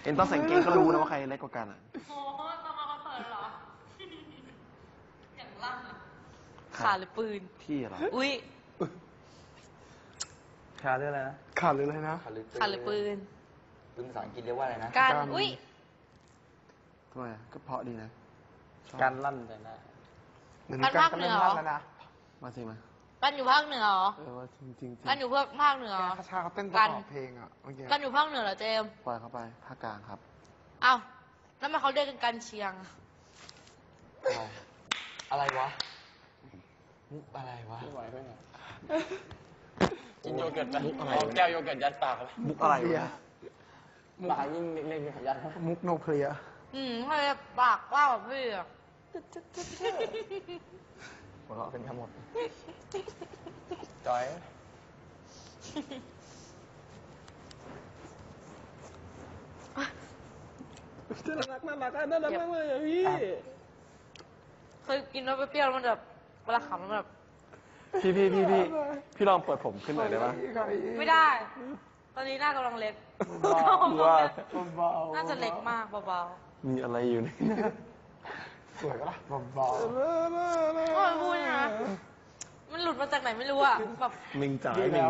เอ็นต้องใส่กางเกงก็รู้นะว่าใครเล็กกว่ากันอ่ะโอ้ตอนมาคอนเสิร์ตเหรออย่างลั่นอะขาหรือปืนพี่เหรออุ้ยขาเรื่องอะไรนะขาดหรืออะไรนะขาหรือปืนภาษาอังกฤษเรียกว่าอะไรนะการอุ้ยทำไมก็เพราะดีนะการลั่นแต่หน้าการภาคเหนือเหรอมาสิมากันอยู่ภาคเหนือเหรอว่าจริงกันอยู่ภาคเหนือคาชาเขาเต้นประกอบเพลงอ่ะเมื่อกี้กันอยู่ภาคเหนือเหรอเจมปล่อยเข้าไปภาคกลางครับอ้าวแล้วมันเขาเรียกกันกันเชียงอะไรวะมุกอะไรวะไม่ไหวไม่ไหวกินโยเกิร์ตเอาแก้วโยเกิร์ตยัดปากเลยมุกอะไรวะปากยิ่งเล็กๆยัดมุกโนเพลียให้ปากว่าแบบพี่อะหัวเราะเป็นทั้งหมดจอยน่ารักมากเลยอะพี่เคยกินแล้วเปรี้ยวมันแบบเวลาขำมันแบบพี่ลองเปิดผมขึ้นหน่อยได้ปะไม่ได้ตอนนี้หน้ากำลังเล็กน่าจะเล็กมากเบาๆมีอะไรอยู่ในนั้นสวยก็ล่ะเบาๆก็พูดนะมันหลุดมาจากไหนไม่รู้อ่ะแบบมิงจ๋าดีแล้ว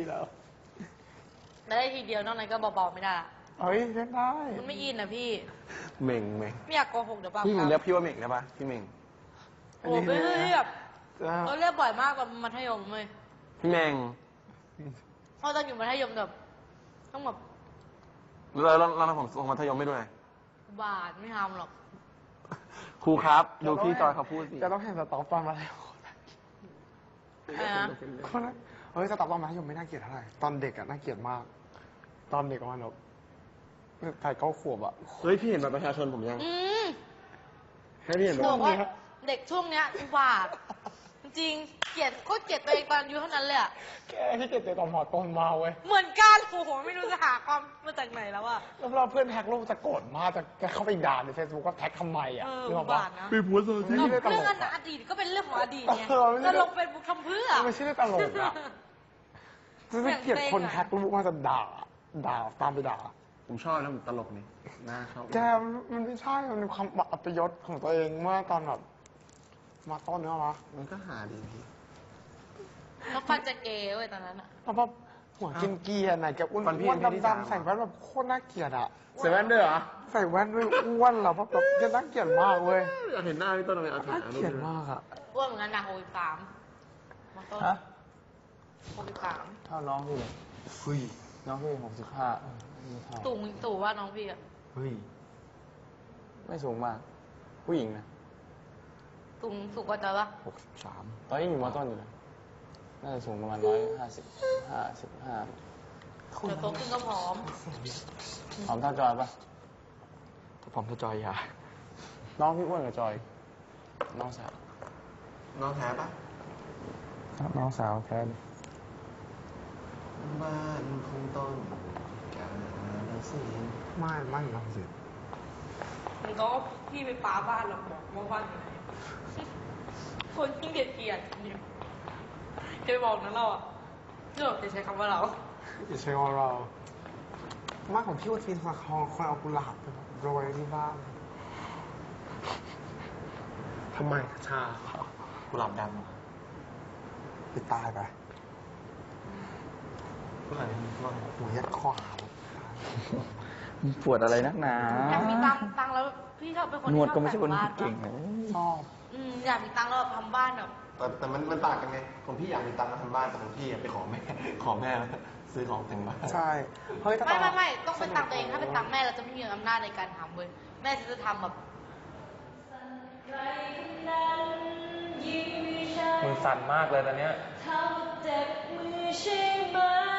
ได้ทีเดียวนอกนั้นก็เบาๆไม่ได้เฮ้ยเล่นได้มันไม่อินนะพี่เม่งไม่อยากโกหกเดี๋ยวป่ะพี่เรียกพี่ว่าเม่งได้ปะพี่เม่งโอ้ไม่เรียกเรียกบ่อยมากตอนมัธยมเลยพี่เม่งเพราะตอนอยู่มัธยมแบบต้องแบบแล้วผมส่งมัธยมไม่ด้วยบาทไม่ทำหรอกครูครับดูพี่จอยเขาพูดสิจะต้องเห็นสต็อปตอนมาแล้วคนนั้นเฮ้ยสต็อปตอนมัธยมไม่น่าเกลียดเท่าไหร่ตอนเด็กอะน่าเกลียดมากตอนเด็กประมาณใส่9 ขวบอะเฮ้ยพี่เห็นบัตรประชาชนผมยังให้พี่เห็นบอกว่าเด็กช่วงเนี้ยอุบาทจริงเกลียดโคตรเกลียดตัวเองตอนอายุเท่านั้นเลยอะแกที่เกลียดตัวตอนหอต้นมาเว้ยเหมือนกันโอ้โหไม่รู้จะหาความมาจากไหนแล้วอะแล้วเราเพื่อนแท็กรูปจะโกรธมากจะเข้าไปด่าในเฟซบุ๊กก็แท็กทำไมอะอุบาทนะไปโพสต์เรื่องอดีตก็เป็นเรื่องของอดีตไงจะลงเฟซบุ๊กทำเพื่อไม่ใช่เรื่องตลกอะจะเกลียดคนแท็กรูปมาจะด่าตามไปด่าผมชอบนะผมตลกนี่น่าชอบแกมันไม่ใช่มันเป็นความอัปยศของตัวเองเมื่อตอนแบบมาต้นเนื้อวะมันก็หาดีพี่แล้วฟันจะเกย์เว้ยตอนนั้นอะแล้วแบบหัวกินเกียร์ไหนแกอ้วนดำๆใส่แว่นแบบโคตรน่าเกลียดอะใส่แว่นด้วยเหรอใส่แว่นด้วยอ้วนเหรอแบบจะน่าเกลียดมากเว้ยอยากเห็นหน้าพี่ต้นเลยน่าเกลียดมากอะอ้วนเหมือนกันนะ63มาต้น63 เท่าน้องพี่เลยน้องพี่65 ตู่ว่าน้องพี่อะไม่สูงมากผู้หญิงนะสูงกว่าจอยปะ 63ตอนนี้อยู่ม.ต้นอยู่นะน่าจะสูงประมาณ155 เดี๋ยวโตขึ้นก็ผอมเท่าจอยปะผอมเท่าจอยอย่าน้องพี่อ้วนกับจอยน้องสาวแท้ปะครับน้องสาวแท้บ้านคงต้องการสิไม่น้องสิมันก็พี่ไปป้าบ้านเราบอกว่าบ้านอยู่ไหนคนที่เกลียดเนี่ยจะไปบอกนะเราอ่ะจะใช้คำว่าเราใช้ว่าเรามากของพี่ว่าทีนมาคองคนเอากุหลาบไปโรยที่บ้านทำไมชากุหลาบดไปตายไปหัวยัดคอหาปวดอะไรนักหนาอยากมีตังแล้วพี่ชอบเป็นคนที่ชอบก็ไม่ใช่คนเก่งชอบอยากมีตังแล้วทำบ้านแบบแต่มันต่างกันไงของพี่อยากมีตังมาทำบ้านแต่ของพี่ไปขอแม่ซื้อของแต่งบ้านใช่เฮ้ยไม่ต้องเป็นตังตัวเองถ้าเป็นตังแม่เราจะไม่มีอำนาจในการทำเว้ยแม่จะทำแบบมือสั่นมากเลยตอนเนี้ย